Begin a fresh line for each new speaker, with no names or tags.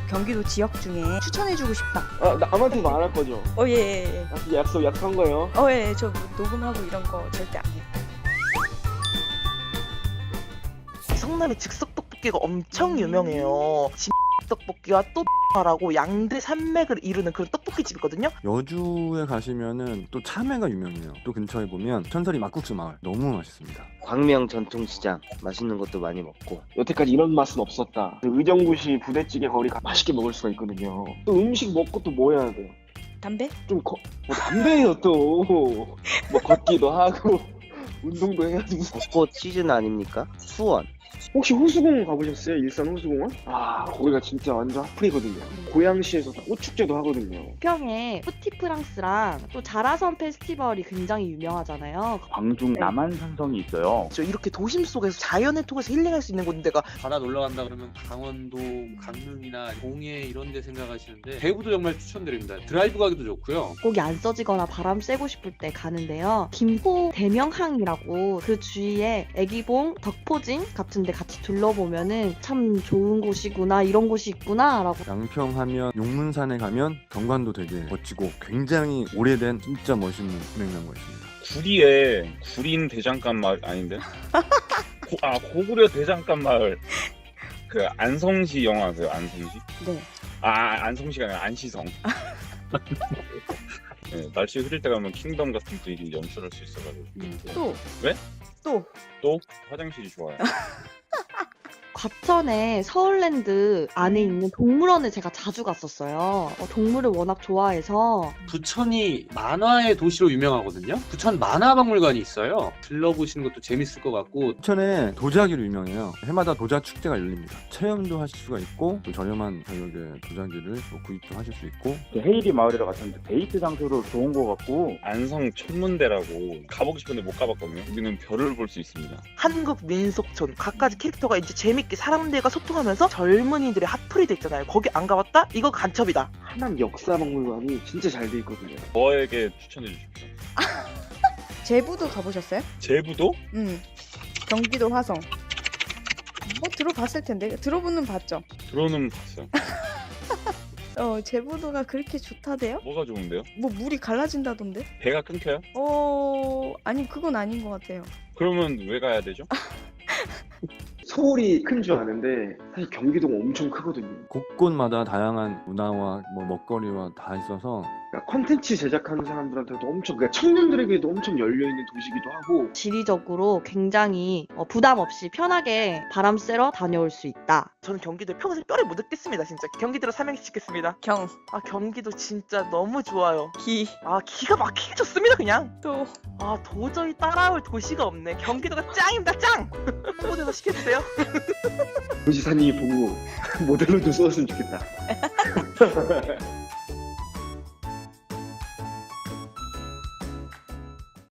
경기도 지역 중에 추천해주고 싶다.
아, 남한테도 안 할 거죠?
예.
약속한 거예요?
예. 저 녹음하고 이런 거 절대 안 해요.
성남의 즉석 떡볶이가 엄청 유명해요. 떡볶이와 또 라고 양대 산맥을 이루는 그런 떡볶이 집이거든요.
여주에 가시면은 또 참외가 유명해요. 또 근처에 보면 천설이 막국수 마을 너무 맛있습니다.
광명 전통시장 맛있는 것도 많이 먹고.
여태까지 이런 맛은 없었다. 의정부시 부대찌개 거리가 맛있게 먹을 수가 있거든요. 또 음식 먹고 또 뭐 해야 돼요?
담배?
뭐 담배예요 또. 뭐 걷기도 하고 운동도 해야지.
벚꽃 시즌 아닙니까? 수원.
혹시 호수공원 가보셨어요? 일산 호수공원? 아, 거기가 진짜 완전 핫플이거든요. 고양시에서 꽃축제도 하거든요.
부평에 푸티프랑스랑 또 자라섬 페스티벌이 굉장히 유명하잖아요.
광중 남한산성이 있어요.
이렇게 도심 속에서 자연을 통해서 힐링할 수 있는 곳인데가
바다 놀러 간다 그러면 강원도, 강릉이나 동해 이런 데 생각하시는데 대구도 정말 추천드립니다. 드라이브 가기도 좋고요.
거기 안 써지거나 바람 쐬고 싶을 때 가는데요. 김포 대명항이라고 그 주위에 애기봉, 덕포진 같은 데 같이 둘러보면은 참 좋은 곳이구나, 이런 곳이 있구나 라고.
양평하면 용문산에 가면 경관도 되게 멋지고 굉장히 오래된 진짜 멋있는 냉장고가 있습니다.
구리에 구린 대장간 마을 아닌데? 고구려 대장간 마을. 그 안성시 영화 아세요? 안성시?
네.
안성시가 아니라 안시성. 네, 날씨 흐릴 때 가면 킹덤 같은 분위기 연출할 수 있어가지고.
또.
왜?
또.
또 화장실이 좋아요.
과천에 서울랜드 안에 있는 동물원에 제가 자주 갔었어요. 동물을 워낙 좋아해서.
부천이 만화의 도시로 유명하거든요. 부천 만화박물관이 있어요. 들러보시는 것도 재밌을 것 같고.
부천에 도자기로 유명해요. 해마다 도자 축제가 열립니다. 체험도 하실 수가 있고 또 저렴한 가격에 도자기를 또 구입도 하실 수 있고.
헤이리 마을이라 갔는데 데이트 장소로 좋은 거 같고. 안성 천문대라고 가보고 싶은데 못 가봤거든요. 여기는 별을 볼 수 있습니다.
한국 민속촌 각가지 캐릭터가 이제 재밌게 사람들과 소통하면서 젊은이들의 핫플이 돼 있잖아요. 거기 안 가봤다? 이거 간첩이다.
하남 역사박물관이 진짜 잘 돼 있거든요.
저에게 추천해 주십시오.
제부도 가보셨어요?
제부도?
경기도 화성. 들어봤을 텐데. 들어보는 봤죠?
들어는 봤어요.
제부도가 그렇게 좋다대요?
뭐가 좋은데요?
뭐 물이 갈라진다던데?
배가 끊겨요?
아니 그건 아닌 것 같아요.
그러면 왜 가야 되죠?
서울이 큰 줄 아는데 사실 경기도가 엄청 크거든요.
곳곳마다 다양한 문화와 뭐 먹거리와 다 있어서
그러니까 콘텐츠 제작하는 사람들한테도 엄청, 그러니까 청년들에게도 엄청 열려있는 도시기도 하고.
지리적으로 굉장히 부담 없이 편하게 바람 쐬러 다녀올 수 있다.
저는 경기도에 평생 뼈를 못 뜯겠습니다. 진짜 경기도로 삼행시 짓겠습니다. 경기도 진짜 너무 좋아요. 기가 막히게 좋습니다. 그냥 도저히 따라올 도시가 없네. 경기도가 짱입니다. 짱. 홍보대사 시켜주세요.
도지사님이 보고 모델로 좀 써줬으면 좋겠다.